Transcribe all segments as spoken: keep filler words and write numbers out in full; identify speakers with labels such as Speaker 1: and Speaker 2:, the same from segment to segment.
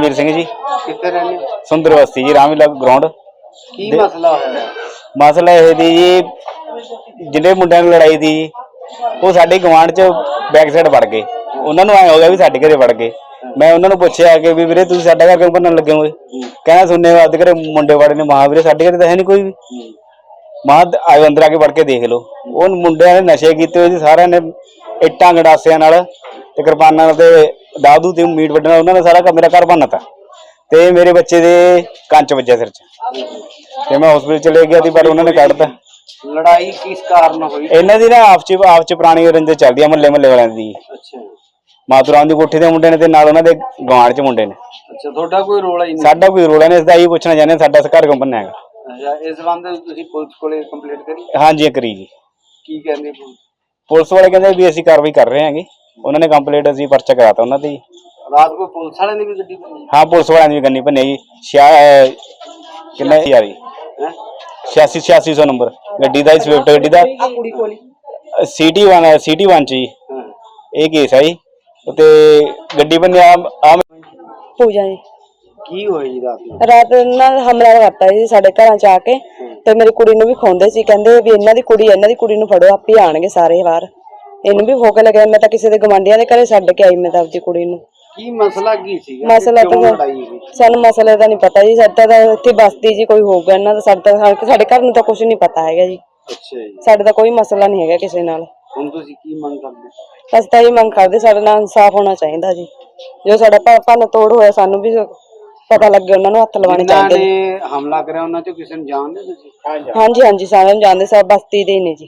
Speaker 1: ਧਰਮਵੀਰ ਸਿੰਘ जी।
Speaker 2: कितने रहने
Speaker 1: सुंदर बस्ती जी, रामलीला ग्राउंड।
Speaker 2: की मसला है?
Speaker 1: मसला यह थी जी, जिन्हें मुंडिਆਂ ਨੂੰ लड़ाई थी वो साडे गवांढ च बैक साइड वड़ गए। उन्होंने आए हो गया भी साडे घरे वड़ गए। मैं उन्होंने पूछया कि भी वीरे तुसीं साडा घर क्यों भन्नण लगे हो? कहना सुनने बाद घरे मुंडे वड़े ने। महा वीरे साडे घरे तां है नहीं कोई भी। महा आयो अंदर आके वड़ के देख लो। उन मुंडिਆਂ ने नशे कीते होए सी, सारिਆਂ ने ਇੱਟਾਂ ਗੰਡਾਸਿਆਂ ਨਾਲ ਤੇ ਕਿਰਪਾਨਾਂ ਤੇ ਦਾਦੂ ਤੇ ਮੀਟ ਵੱਢਣਾ, ਉਹਨਾਂ ਨੇ ਸਾਰਾ ਮੇਰਾ ਘਰ ਭੰਨਤਾ ਤੇ ਮੇਰੇ ਬੱਚੇ ਦੇ ਕੰਚ ਵੱਜਿਆ ਸਿਰ 'ਚ ਤੇ ਮੈਂ ਹਸਪੀਟਲ ਚਲੇ ਗਿਆ ਸੀ, ਪਰ ਉਹਨਾਂ ਨੇ ਕੱਢਤਾ।
Speaker 2: ਲੜਾਈ ਕਿਸ ਕਾਰਨ ਹੋਈ?
Speaker 1: ਇਹਨਾਂ ਦੀ ਨਾ ਆਪਸ 'ਚ ਆਪਸ 'ਚ ਪੁਰਾਣੀ ਰੰਜਿਸ਼ ਚੱਲਦੀ ਆ ਮਹੱਲੇ ਮਹੱਲੇ ਵਾਲਿਆਂ ਦੀ।
Speaker 2: ਅੱਛਾ,
Speaker 1: ਮਾਤੂਰਾਮ ਦੀ ਕੋਠੀ ਦੇ ਮੁੰਡੇ ਨੇ ਤੇ ਨਾਲ ਉਹਨਾਂ ਦੇ ਗਵਾਂਢ 'ਚ ਮੁੰਡੇ ਨੇ।
Speaker 2: ਅੱਛਾ, ਤੁਹਾਡਾ ਕੋਈ ਰੋਲ ਹੀ ਨਹੀਂ?
Speaker 1: ਸਾਡਾ ਕੋਈ ਰੋਲ ਨਹੀਂ, ਇਸ ਦਾ ਇਹੀ ਪੁੱਛਣਾ ਚਾਹੁੰਦੇ ਸਾਡਾ ਘਰ ਕਿਉਂ ਭੰਨਿਆ ਹੈਗਾ।
Speaker 2: ਅੱਛਾ, ਇਸ ਸੰਬੰਧ ਵਿੱਚ ਤੁਸੀਂ ਪੁਲਿਸ ਕੋਲੇ ਕੰਪਲੇਂਟ ਕਰੀ?
Speaker 1: ਹਾਂਜੀ ਕਰੀ ਜੀ।
Speaker 2: ਕੀ ਕਹਿੰਦੇ ਪੁਲਿਸ?
Speaker 1: ਪੁਲਿਸ ਵਾਲੇ ਕਹਿੰਦੇ ਵੀ ਅਸੀਂ ਕਾਰਵਾਈ ਕਰ ਰਹੇ ਹਾਂਗੇ। ਉਹਨਾਂ ਨੇ ਕੰਪਲੇਂਟ ਅਸੀਂ ਪਰਚਾ ਕਰਾਤਾ ਉਹਨਾਂ ਤੇ।
Speaker 2: ਰਾਤ ਨੂੰ ਪੁਲਿਸ ਵਾਲਿਆਂ ਦੀ ਵੀ ਗੱਡੀ ਭੰਨੀ?
Speaker 1: ਹਾਂ, ਪੁਲਿਸ ਵਾਲਿਆਂ ਦੀ ਵੀ ਗੰਨੀ ਭੰਨੀ ਜੀ। ਛਿਆ ਕਿੰਨਾ ਯਾਰੀ छियासी छियासी सौ नंबर गड्डी ਦਾ ਸਵਿਫਟ ਗੱਡੀ ਦਾ ਸਿਟੀ वन सिटी वन ਚ ਜੀ ਇਹ ਕੇਸ ਹੈ ਜੀ। ਤੇ ਗੱਡੀ ਬੰਨਿਆ ਆ
Speaker 3: ਪੂਜਾ ਜੀ।
Speaker 2: ਕੀ ਹੋਈ ਜੀ ਰਾਤ ਨੂੰ?
Speaker 3: ਰਾਤ ਨਾਲ ਹਮਲਾ ਕਰਤਾ ਜੀ ਸਾਡੇ ਘਰਾਂ ਚ ਆ ਕੇ ਤੇ ਮੇਰੀ ਕੁੜੀ ਨੂੰ ਵੀ ਖੋਂਦੇ ਸੀ, ਕਹਿੰਦੇ ਵੀ ਇਹਨਾਂ ਦੀ ਕੁੜੀ ਇਹਨਾਂ ਦੀ ਕੁੜੀ ਨੂੰ ਫੜੋ, ਆਪੇ ਆਣਗੇ ਸਾਰੇ ਬਾਹਰ। ਇਹਨੂੰ ਵੀ ਫੋਕ ਲੱਗਿਆ। ਮੈਂ ਤਾਂ ਕਿਸੇ ਦੇ ਗਵਾਂਢੀਆਂ ਦੇ ਘਰੇ ਛੱਡ ਕੇ ਆਈ, ਮੈਂ ਤਾਂ ਆਪਦੀ ਕੁੜੀ ਨੂੰ।
Speaker 2: ਕੀ ਮਸਲਾ ਕੀ ਸੀਗਾ?
Speaker 3: ਮਸਲਾ ਤਾਂ ਸਾਨੂੰ ਮਸਲੇ ਦਾ ਨਹੀਂ ਪਤਾ ਜੀ। ਸਾਡਾ ਤਾਂ ਇੱਥੇ ਬਸਤੀ ਜੀ ਕੋਈ ਹੋਊਗਾ ਇਹਨਾਂ ਦਾ, ਸਾਡਾ ਸਾਡੇ ਘਰ ਨੂੰ ਤਾਂ ਕੁਝ ਨਹੀਂ ਪਤਾ ਹੈਗਾ ਜੀ।
Speaker 2: ਅੱਛਾ ਜੀ,
Speaker 3: ਸਾਡੇ ਦਾ ਕੋਈ ਮਸਲਾ ਨਹੀਂ ਹੈਗਾ ਕਿਸੇ ਨਾਲ।
Speaker 2: ਹੁਣ ਤੁਸੀਂ ਕੀ ਮੰਗ ਕਰਦੇ?
Speaker 3: ਅਸੀਂ ਤਾਂ ਇਹ ਮੰਗ ਕਰਦੇ ਸਾਡੇ ਨਾਲ ਇਨਸਾਫ ਹੋਣਾ ਚਾਹੀਦਾ ਜੀ। ਜੋ ਸਾਡਾ ਭੰਨ ਤੋੜ ਹੋਇਆ ਸਾਨੂੰ ਵੀ ਪਤਾ ਲੱਗੇ, ਉਹਨਾਂ ਨੂੰ ਹੱਥ ਲਵਾਉਣੇ ਚਾਹੀਦੇ
Speaker 2: ਨੇ। ਹਮਲਾ ਕਰਿਆ ਉਹਨਾਂ ਚੋਂ ਕਿਸੇ ਨੂੰ ਜਾਣਦੇ ਤੁਸੀਂ?
Speaker 3: ਹਾਂਜੀ ਹਾਂਜੀ, ਸਾਰਿਆਂ ਨੂੰ ਜਾਣਦੇ, ਸਭ ਬਸਤੀ ਦੇ ਹੀ ਨੇ ਜੀ।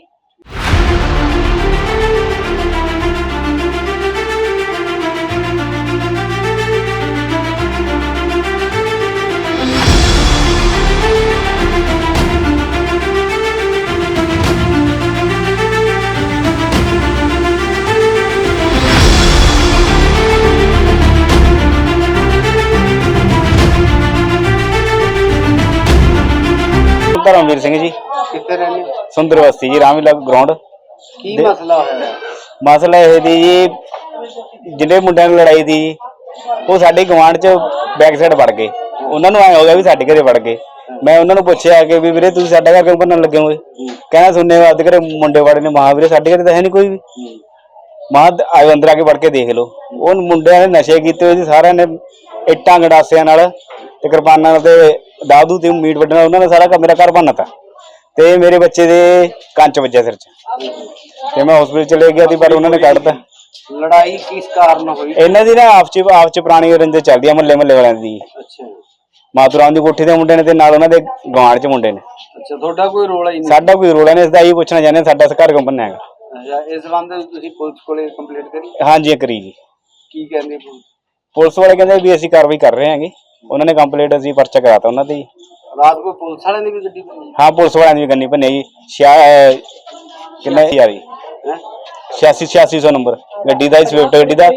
Speaker 1: ਧਰਮਵੀਰ ਸਿੰਘ जी।
Speaker 2: ਕਿੱਥੇ ਰਹਿੰਦੇ?
Speaker 1: ਸੁੰਦਰ ਬਸਤੀ ਜੀ, ਰਾਮਲੀਲਾ ਗਰਾਊਂਡ।
Speaker 2: ਕੀ ਮਸਲਾ ਹੋਇਆ?
Speaker 1: ਮਸਲਾ ਇਹ ਦੀ ਜੀ, ਜਿਹੜੇ ਮੁੰਡਿਆਂ ਨੂੰ ਲੜਾਈ ਦੀ ਉਹ ਸਾਡੇ ਗਵਾਂਢ 'ਚ ਬੈਕ ਸਾਈਡ ਵੜ ਗਏ। ਉਹਨਾਂ ਨੂੰ ਆਏ ਹੋ ਗਿਆ ਵੀ ਸਾਡੇ ਘਰੇ ਵੜ ਗਏ। ਮੈਂ ਉਹਨਾਂ ਨੂੰ ਪੁੱਛਿਆ ਕਿ ਵੀ ਵੀਰੇ ਤੁਸੀਂ ਸਾਡਾ ਘਰ ਕਿਉਂ ਭੰਨਣ ਲੱਗੇ ਹੋਏ? ਕਹਿਣਾ ਸੁਣਨੇ ਬਾਅਦ ਘਰੇ ਮੁੰਡੇ ਵੜੇ ਨੇ। ਮਹਾ ਵੀਰੇ ਸਾਡੇ ਘਰੇ ਤਾਂ ਹੈ ਨਹੀਂ ਕੋਈ ਵੀ। ਮਹਾ ਆਇਓ ਅੰਦਰ ਆ ਕੇ ਵੜ ਕੇ ਦੇਖ ਲਓ। ਉਹ ਮੁੰਡਿਆਂ ਨੇ ਨਸ਼ੇ ਕੀਤੇ ਹੋਏ ਸੀ, ਸਾਰਿਆਂ ਨੇ ਇੱਟਾਂ ਗੰਡਾਸਿਆਂ ਨਾਲ ਤੇ ਕਿਰਪਾਨਾਂ ਤੇ ਦਾਦੂ ਤੇ ਮੀਟ ਵੱਢਣਾ, ਉਹਨਾਂ ਨੇ ਸਾਰਾ ਮੇਰਾ ਘਰ ਭੰਨਤਾ ਤੇ ਮੇਰੇ ਬੱਚੇ ਦੇ ਕੰਚ ਵੱਜਿਆ ਸਿਰ 'ਚ ਤੇ ਮੈਂ ਹਸਪੀਟਲ ਚਲੇ ਗਿਆ ਸੀ, ਪਰ ਉਹਨਾਂ ਨੇ ਕੱਢਤਾ।
Speaker 2: ਲੜਾਈ ਕਿਸ ਕਾਰਨ ਹੋਈ?
Speaker 1: ਇਹਨਾਂ ਦੀ ਨਾ ਆਪਸ 'ਚ ਆਪਸ 'ਚ ਪੁਰਾਣੀ ਰੰਜਿਸ਼ ਚੱਲਦੀ ਆ ਮਹੱਲੇ ਮਹੱਲੇ ਵਾਲਿਆਂ ਦੀ।
Speaker 2: ਅੱਛਾ,
Speaker 1: ਮਾਤੂਰਾਮ ਦੀ ਕੋਠੀ ਦੇ ਮੁੰਡੇ ਨੇ ਤੇ ਨਾਲ ਉਹਨਾਂ ਦੇ ਗਵਾਂਢ 'ਚ ਮੁੰਡੇ ਨੇ।
Speaker 2: ਅੱਛਾ, ਤੁਹਾਡਾ ਕੋਈ ਰੋਲ ਹੀ ਨਹੀਂ?
Speaker 1: ਸਾਡਾ ਕੋਈ ਰੋਲ ਨਹੀਂ, ਇਸ ਦਾ ਇਹੀ ਪੁੱਛਣਾ ਚਾਹੁੰਦੇ ਸਾਡਾ ਘਰ ਕਿਉਂ ਭੰਨਿਆ ਹੈਗਾ।
Speaker 2: ਅੱਛਾ, ਇਸ ਸੰਬੰਧ ਵਿੱਚ ਤੁਸੀਂ ਪੁਲਿਸ ਕੋਲੇ ਕੰਪਲੇਂਟ ਕਰੀ?
Speaker 1: ਹਾਂਜੀ ਕਰੀ ਜੀ।
Speaker 2: ਕੀ ਕਹਿੰਦੇ ਪੁਲਿਸ?
Speaker 1: ਪੁਲਿਸ ਵਾਲੇ ਕਹਿੰਦੇ ਵੀ ਅਸੀਂ ਕਾਰਵਾਈ ਕਰ ਰਹੇ ਹਾਂਗੇ। ਉਹਨਾਂ ਨੇ ਕੰਪਲੇਂਟ ਅਸੀਂ ਪਰਚਾ ਕਰਾਤਾ ਉਹਨਾਂ ਤੇ।
Speaker 2: ਰਾਤ ਨੂੰ ਪੁਲਿਸ ਵਾਲਿਆਂ ਦੀ ਵੀ ਗੱਡੀ ਭੰਨੀ?
Speaker 1: ਹਾਂ, ਪੁਲਿਸ ਵਾਲਿਆਂ ਦੀ ਵੀ ਗੰਨੀ ਭੰਨੀ ਜੀ। ਛਿਆ ਕਿੰਨਾ ਯਾਰੀ छियासी छियासी सौ नंबर गड्डी ਦਾ ਸਵਿਫਟ ਗੱਡੀ ਦਾ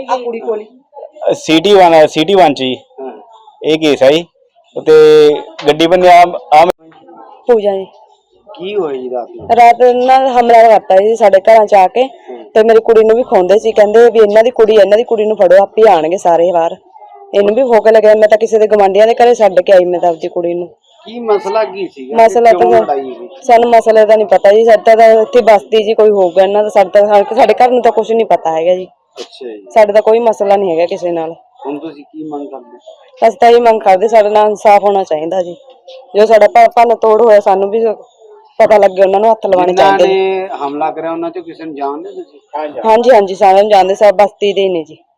Speaker 1: ਸਿਟੀ वन सिटी वन ਚ ਜੀ ਇਹ ਕੇਸ ਹੈ ਜੀ। ਤੇ ਗੱਡੀ ਬੰਨਿਆ ਆ
Speaker 3: ਪੂਜਾ ਜੀ।
Speaker 2: ਕੀ ਹੋਈ ਜੀ ਰਾਤ ਨੂੰ?
Speaker 3: ਰਾਤ ਨਾਲ ਹਮਲਾ ਕਰਤਾ ਜੀ ਸਾਡੇ ਘਰਾਂ ਚ ਆ ਕੇ ਤੇ ਮੇਰੀ ਕੁੜੀ ਨੂੰ ਵੀ ਖੋਂਦੇ ਸੀ, ਕਹਿੰਦੇ ਵੀ ਇਹਨਾਂ ਦੀ ਕੁੜੀ ਇਹਨਾਂ ਦੀ ਕੁੜੀ ਨੂੰ ਫੜੋ, ਆਪੇ ਆਣਗੇ ਸਾਰੇ ਬਾਹਰ। ਇਹਨੂੰ ਵੀ ਫੋਕ ਲੱਗਿਆ। ਮੈਂ ਤਾਂ ਕਿਸੇ ਦੇ ਗਵਾਂਢੀਆਂ ਦੇ ਘਰੇ ਛੱਡ ਕੇ ਆਈ, ਮੈਂ ਤਾਂ ਆਪਦੀ ਕੁੜੀ ਨੂੰ।
Speaker 2: ਕੀ ਮਸਲਾ ਕੀ ਸੀਗਾ?
Speaker 3: ਮਸਲਾ ਤਾਂ ਸਾਨੂੰ ਮਸਲੇ ਦਾ ਨਹੀਂ ਪਤਾ ਜੀ। ਸਾਡਾ ਤਾਂ ਇੱਥੇ ਬਸਤੀ ਜੀ ਕੋਈ ਹੋਊਗਾ ਇਹਨਾਂ ਦਾ, ਸਾਡਾ ਸਾਡੇ ਘਰ ਨੂੰ ਤਾਂ ਕੁਝ ਨਹੀਂ ਪਤਾ ਹੈਗਾ ਜੀ।
Speaker 2: ਅੱਛਾ ਜੀ,
Speaker 3: ਸਾਡੇ ਦਾ ਕੋਈ ਮਸਲਾ ਨਹੀਂ ਹੈਗਾ ਕਿਸੇ ਨਾਲ।
Speaker 2: ਹੁਣ ਤੁਸੀਂ ਕੀ ਮੰਗ ਕਰਦੇ?
Speaker 3: ਅਸੀਂ ਤਾਂ ਇਹ ਮੰਗ ਕਰਦੇ ਸਾਡੇ ਨਾਲ ਇਨਸਾਫ ਹੋਣਾ ਚਾਹੀਦਾ ਜੀ। ਜੋ ਸਾਡਾ ਭੰਨ ਤੋੜ ਹੋਇਆ ਸਾਨੂੰ ਵੀ ਪਤਾ ਲੱਗੇ, ਉਹਨਾਂ ਨੂੰ ਹੱਥ ਲਵਾਉਣੇ ਚਾਹੀਦੇ ਨੇ।
Speaker 2: ਹਮਲਾ ਕਰਿਆ ਉਹਨਾਂ ਚੋਂ ਕਿਸੇ ਨੂੰ ਜਾਣਦੇ ਤੁਸੀਂ?
Speaker 3: ਹਾਂਜੀ ਹਾਂਜੀ, ਸਾਰਿਆਂ ਨੂੰ ਜਾਣਦੇ, ਸਭ ਬਸਤੀ ਦੇ ਹੀ ਨੇ ਜੀ।